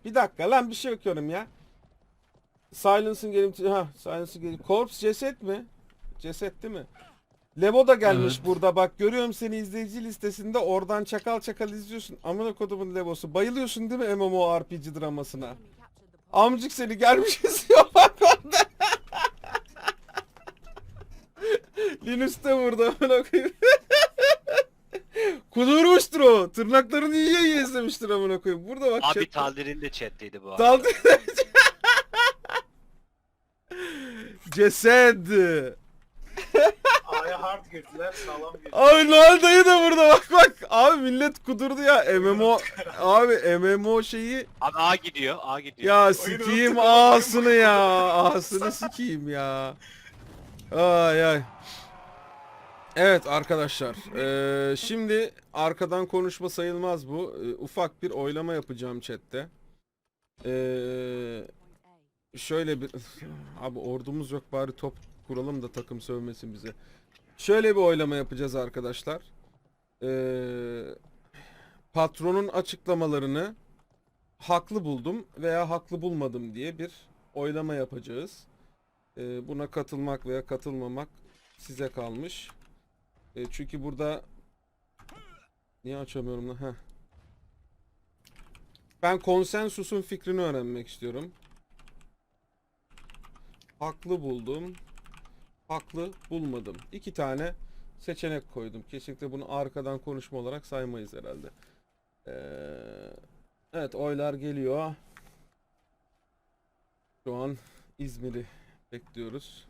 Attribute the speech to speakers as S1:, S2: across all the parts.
S1: Bir dakika lan bir şey bakıyorum ya. Silence'ın gelim... Ha, Silence'ın gelim... Corpse ceset mi? Ceset değil mi? Levo da gelmiş
S2: Evet.
S1: burada bak. Görüyorum seni izleyici listesinde. Oradan çakal çakal izliyorsun. Amına kodumun Levo'su. Bayılıyorsun değil mi MMORPG dramasına? Amcık seni gelmiş izliyor bak orada. Linus de burada. Amına koyayım. Kudurmuştur o. Tırnaklarını yiye yiye izlemiştir amına koyayım. Burada bak.
S3: Abi
S1: chat-
S3: Taldir'in de chat'teydi bu arada.
S1: Daldı. Ceset.
S4: A'ya hard girdiler, sağlam girdiler.
S1: Abi Noel dayı da burada bak bak. Abi millet kudurdu ya. MMO abi MMO şeyi
S3: Abi A gidiyor, A gidiyor.
S1: ya
S4: Oyunu
S1: sikeyim
S4: unuttuk,
S1: ağasını ya. Ağasını sikeyim ya. Ay ay. Evet arkadaşlar. Şimdi arkadan konuşma sayılmaz bu. Ufak bir oylama yapacağım chatte. Şöyle bir abi ordumuz yok bari top kuralım da takım sövmesin bize. Şöyle bir oylama yapacağız arkadaşlar. Patronun açıklamalarını haklı buldum veya haklı bulmadım diye bir oylama yapacağız. Buna katılmak veya katılmamak size kalmış. Çünkü burada niye açamıyorum lan? Heh. Ben konsensusun fikrini öğrenmek istiyorum. Haklı buldum. Haklı bulmadım. 2 tane seçenek koydum. Kesinlikle bunu arkadan konuşma olarak saymayız herhalde. Evet oylar geliyor. Şu an İzmir'i bekliyoruz.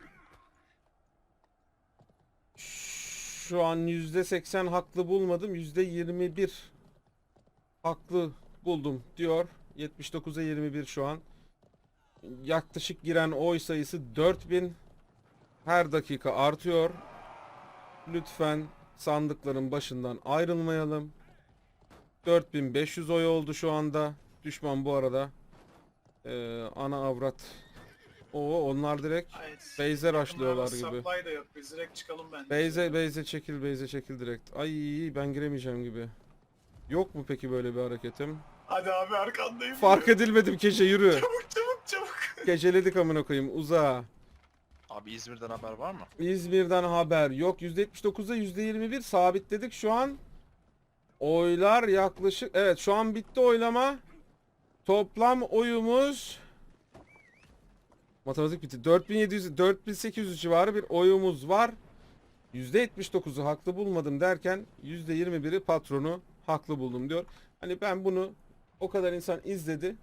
S1: Şu an %80 haklı bulmadım. %21 haklı buldum diyor. 79'a 21 şu an. Yaklaşık giren oy sayısı 4000. Her dakika artıyor. Lütfen sandıkların başından ayrılmayalım. 4500 oy oldu şu anda. Düşman bu arada. Ana avrat. Oo onlar direkt base'e rushlıyorlar gibi.
S4: Supply da yok, biz direkt çıkalım bence.
S1: Base'e çekil direkt. Ay ben giremeyeceğim gibi. Yok mu peki böyle bir hareketim?
S4: Hadi abi arkandayım.
S1: Fark edilmedim Kece yürü.
S4: Çabuk çabuk çabuk.
S1: Geceledik amına koyayım uzağa.
S2: Abi İzmir'den haber var mı?
S1: İzmir'den haber yok. %79'a %21 sabitledik şu an. Oylar yaklaşık evet şu an bitti oylama. Toplam oyumuz matematik bitti. 4700 4800 civarı bir oyumuz var. %79'u haklı bulmadım derken %21'i patronu haklı buldum diyor. Hani ben bunu o kadar insan izledi.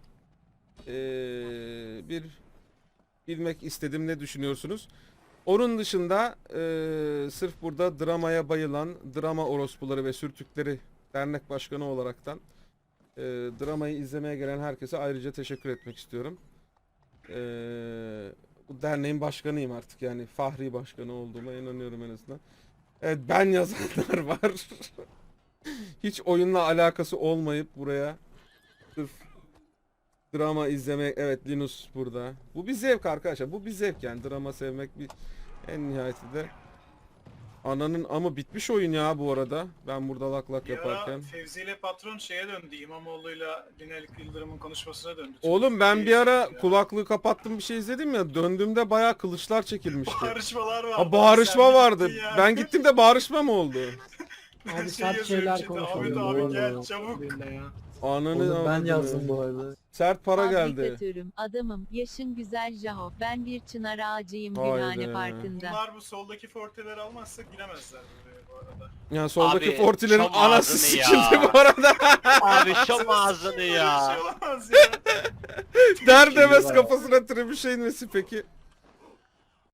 S1: Bir bilmek istedim ne düşünüyorsunuz? Onun dışında sırf burada dramaya bayılan drama orospuları ve sürtükleri dernek başkanı olaraktan dramayı izlemeye gelen herkese ayrıca teşekkür etmek istiyorum. Bu derneğin başkanıyım artık yani fahri başkanı olduğuma inanıyorum en azından. Evet ben yazanlar var. Hiç oyunla alakası olmayıp buraya sırf drama izlemek. Evet Linus burada. Bu bir zevk arkadaşlar. Bu bir zevk yani. Drama sevmek bir en nihayetinde. Ananın ama bitmiş oyun ya bu arada. Ben burada lak lak
S4: Bir ara
S1: yaparken.
S4: Fevzi ile patron şeye döndü. İmamoğlu'yla Binali Yıldırım'ın konuşmasına döndü.
S1: Oğlum ben bir ara
S4: Ya.
S1: kulaklığı kapattım bir şey izledim ya. Döndüğümde bayağı kılıçlar çekilmişti.
S4: Bağırışmalar vardı.
S1: Ha bağırışma
S4: Sen
S1: vardı.
S4: gittin ya.
S1: Ben gittim de bağırışma mı oldu?
S4: Şey
S5: Abi sert
S4: yazıyor
S5: şeyler
S4: içinde,
S5: konuşuyor.
S4: Ahmet abi gel
S5: Oğlum,
S4: çabuk.
S5: billahi ya.
S1: Ananı
S5: Oğlum ben
S1: avradını.
S5: yazdım bu arada.
S1: Sert para geldi.
S6: Fabrikatörüm, adamım, yaşın güzel Jaho. Ben bir çınar ağacıyım
S1: Haydi.
S6: Gülhane Parkı'nda.
S4: Bunlar bu soldaki forteleri almazsa giremezler buraya bu arada.
S1: Yani soldaki
S3: Abi,
S1: fortilerin
S3: şom
S1: anası
S3: ağzını ya.
S1: sikildi bu arada.
S3: Abi şom ağzını
S4: Böyle bir
S3: ya.
S4: şey olamaz ya.
S1: Der demez kafasına trebüşe inmesi peki.